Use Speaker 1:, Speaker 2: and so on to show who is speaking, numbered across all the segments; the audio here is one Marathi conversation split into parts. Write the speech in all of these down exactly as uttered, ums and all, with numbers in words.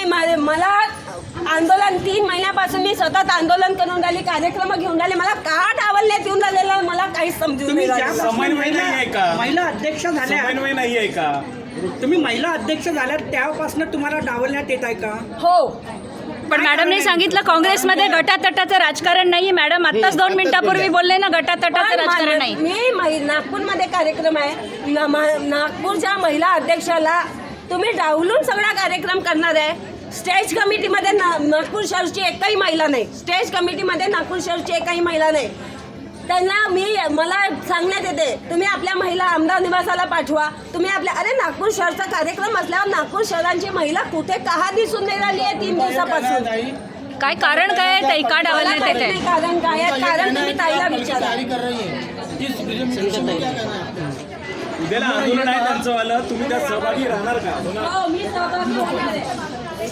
Speaker 1: नाही, मला आंदोलन तीन महिन्यापासून मी सतत आंदोलन करून राहिली, कार्यक्रम घेऊन राहिले, मला का डावलण्यात येऊन राहिलेलं मला काहीच समजून नाही राहिलं.
Speaker 2: समन्वय नाही आहे का?
Speaker 3: महिला अध्यक्ष झाल्या,
Speaker 2: समन्वय नाही आहे का?
Speaker 3: तुम्ही महिला अध्यक्ष झाल्या तेव्हापासून तुम्हाला डावलण्यात येत आहे का?
Speaker 1: हो,
Speaker 4: पण मॅडमने सांगितलं काँग्रेसमध्ये गटातटाचं राजकारण नाही. मॅडम आत्ताच दोन मिनिटापूर्वी बोलले ना, गटातटाचं राजकारण नाही.
Speaker 1: मी नागपूरमध्ये कार्यक्रम आहे, नागपूरच्या महिला अध्यक्षाला तुम्ही डावलून सगळा कार्यक्रम करणार आहे. स्टेज कमिटीमध्ये नागपूर शहरची एकही महिला नाही, स्टेज कमिटीमध्ये नागपूर शहरची एकही महिला नाही. त्यांना मी मला सांगण्यात येते तुम्ही आपल्या महिला आमदार निवासाला पाठवा. तुम्ही आपल्या अरे नागपूर शहरचा कार्यक्रम असल्यावर नागपूर शहरांची महिला कुठे का दिसून नाही राहिली आहे तीन दिवसापासून?
Speaker 4: काय कारण काय आहे ताई, का डावलण्यात येत आहे?
Speaker 1: कारण काय आहे, कारण तुम्ही ताईला विचारा.
Speaker 2: उद्याला आंदोलन आहे त्यांचं वालं, तुम्ही त्यात सहभागी राहणार का?
Speaker 1: हो, मी सहभागी होणार आहे.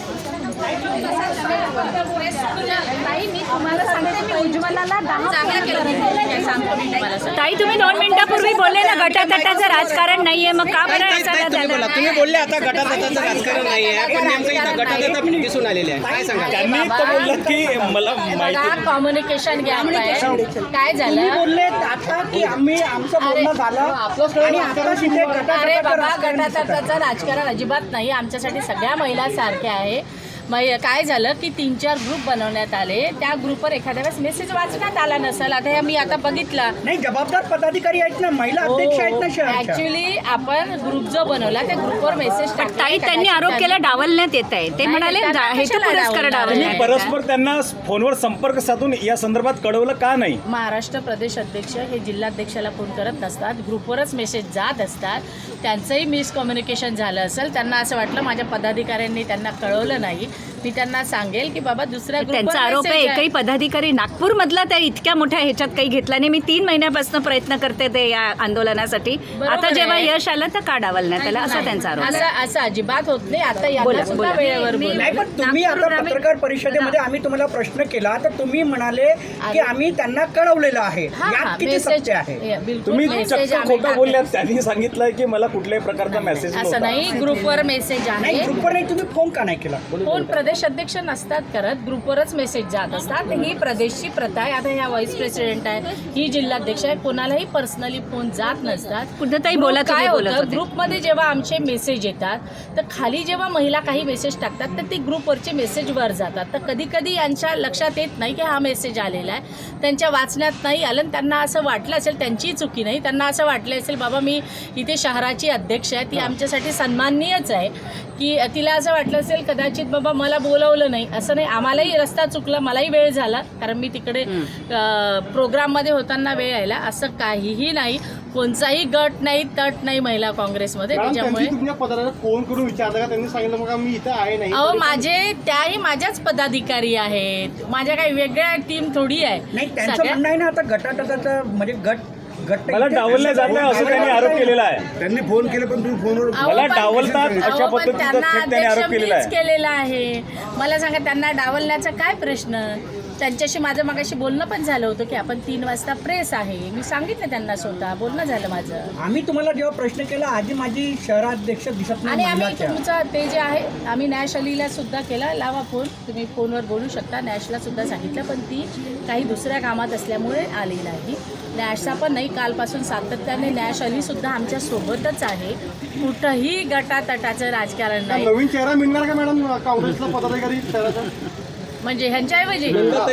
Speaker 4: ताई तुम्ही दोन मिनिटापूर्वी बोलले ना गटातटाचं राजकारण नाहीये, मग का बरं
Speaker 5: तुम्ही बोलले आता गटातटाचं राजकारण नाहीये, पण नेमकं इथं गटातट दिसून आलेले आहे, काय सांगा?
Speaker 2: त्यांनी तर बोललं की मला माहिती
Speaker 6: कम्युनिकेशन गॅप आहे. काय झालं
Speaker 3: तुम्ही बोलले आता की आम्ही आमचं बोलणं झालं आणि आता तिथे
Speaker 6: अरे
Speaker 3: गटातटाचं
Speaker 6: बाबा,
Speaker 3: राजकारण
Speaker 6: गटातटाचं राजकारण अजिबात नाही. आमच्यासाठी सगळ्या महिला सारख्या आहे. मग काय झालं की तीन चार ग्रुप बनवण्यात आले, त्या ग्रुपवर एखाद्या वेळेस मेसेज वाचण्यात आला नसेल. आता मी आता बघितला
Speaker 3: नाही, जबाबदार पदाधिकारी आहेत ना, महिला अध्यक्ष आहेत ना शहराच्या.
Speaker 6: ऍक्च्युली आपण ग्रुप जो बनवला त्या ग्रुपवर मेसेज
Speaker 4: ताई त्यांनी आरोप केला डावलण्यात येत आहे. ते म्हणाले हेतू पुरस्कार डावलण्यात.
Speaker 2: परस्पर त्यांना फोनवर संपर्क साधून या संदर्भात कळवलं का नाही?
Speaker 6: महाराष्ट्र प्रदेश अध्यक्ष हे जिल्हाध्यक्षाला फोन करत नसतात, ग्रुपवरच मेसेज जात असतात. त्यांचंही मिसकम्युनिकेशन झालं असेल, त्यांना असं वाटलं माझ्या पदाधिकाऱ्यांनी त्यांना कळवलं नाही. मी त्यांना सांगेल की बाबा दुसऱ्या
Speaker 4: त्यांचा आरोप आहे एकही पदाधिकारी नागपूर मधला त्या इतक्या मोठ्या ह्याच्यात काही घेतला नाही. मी तीन महिन्यापासून प्रयत्न करते ते या आंदोलनासाठी, आता जेव्हा यश आलं तर का डावलण्यात त्याला, असा त्यांचा आरोप आहे.
Speaker 6: असं असं अजिबात होत नाही. आता यांना सुद्धा वेळेवर बोला.
Speaker 3: नाही, पण तुम्ही आता पत्रकार परिषदेमध्ये आम्ही तुम्हाला प्रश्न केला तर तुम्ही म्हणाले की आम्ही त्यांना कळवलेलं आहे. यात किती सत्य आहे?
Speaker 2: तुम्ही चक्क खोटं बोलल्यात. त्यांनी सांगितलंय की मला कुठल्याही प्रकारचा मेसेज
Speaker 6: असं नाही, ग्रुपवर मेसेज
Speaker 3: नाही,
Speaker 6: आहे.
Speaker 3: ग्रुपवर नाही, तुम्ही फोन का नाही केला?
Speaker 6: फोन प्रदेश अध्यक्ष नसतात करत, ग्रुपवरच मेसेज जात असतात. ही प्रदेशची प्रथा आहे. आता ह्या व्हाईस प्रेसिडेंट आहे, ही जिल्हाध्यक्ष आहे, कोणालाही पर्सनली फोन जात नसतात.
Speaker 4: कुठेतरी बोला,
Speaker 6: काय
Speaker 4: बोलत
Speaker 6: होतं
Speaker 4: होते.
Speaker 6: ग्रुपमध्ये जेव्हा आमचे मेसेज येतात तर खाली जेव्हा महिला काही मेसेज टाकतात तर ते ग्रुपवरचे मेसेज वर जातात. तर कधी कधी यांच्या लक्षात येत नाही की हा मेसेज आलेला आहे, त्यांच्या वाचण्यात नाही आलं. त्यांना असं वाटलं असेल, त्यांचीही चुकी नाही, त्यांना असं वाटलं असेल बाबा मी इथे शहराची अध्यक्ष आहे, ती आमच्यासाठी सन्माननीयच आहे, की तिला असं वाटलं असेल कदाचित बाबा मला बोलवलं नाही. असं नाही, आम्हालाही रस्ता चुकला, मलाही वेळ झाला, कारण मी तिकडे प्रोग्राममध्ये होताना वेळ यायला. असं काहीही नाही, कोणताही गट नाही, तट नाही महिला काँग्रेसमध्ये. त्याच्यामुळे
Speaker 5: फोन करून विचारलं का? त्यांनी सांगितलं मग मी इथं आहे नाही.
Speaker 6: अहो माझे त्याही माझ्याच पदाधिकारी आहेत, माझ्या काही वेगळ्या टीम थोडी आहे.
Speaker 3: नाही, त्यांचं म्हणणं आहे ना आता गटातटाचं म्हणजे गट गट
Speaker 2: मला डावलल्या जात नाही असं त्यांनी आरोप केलेला आहे.
Speaker 5: त्यांनी फोन केले पण तुम्ही फोनवर
Speaker 2: मला डावलतात अशा पद्धतीचा थेट त्यांनी आरोप केलेला आहे.
Speaker 6: केलेला आहे. मला सांगा त्यांना डावलण्याचा काय प्रश्न? त्यांच्याशी माझं मगाशी बोलणं पण झालं होतं की आपण तीन वाजता प्रेस आहे, मी सांगितलं त्यांना, स्वतः बोलणं झालं माझं.
Speaker 3: आम्ही तुम्हाला जेव्हा प्रश्न केला आधी माझी शहराध्यक्ष दिसत
Speaker 6: आणि
Speaker 3: नाही
Speaker 6: आम्ही
Speaker 3: महिलाच्या.
Speaker 6: तुमचं ते जे आहे आम्ही नॅश अलीला सुद्धा केला, लावा फोन, तुम्ही फोनवर बोलू शकता. नॅशला सुद्धा सांगितलं, पण ती काही दुसऱ्या कामात असल्यामुळे आली नाही. नॅशचा पण नाही, कालपासून सातत्याने नॅश अली सुद्धा आमच्या सोबतच आहे. कुठंही गटातटाचं राजकारण नाही.
Speaker 5: नवीन चेहरा मिळणार का मॅडम काँग्रेसला पदाधिकारी शहराचा?
Speaker 6: म्हणजे ह्यांच्याऐवजी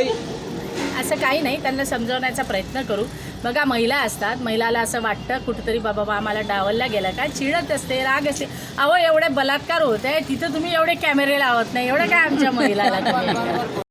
Speaker 6: असं काही नाही, त्यांना समजवण्याचा प्रयत्न करू. बघा महिला असतात, महिलाला असं वाटतं कुठेतरी बाबा आम्हाला डावलला गेला का, चिडत असते, राग असते. अहो एवढे बलात्कार होत आहे तिथं तुम्ही एवढे कॅमेरे लावत नाही, एवढं काय आमच्या महिलाला तुम्ही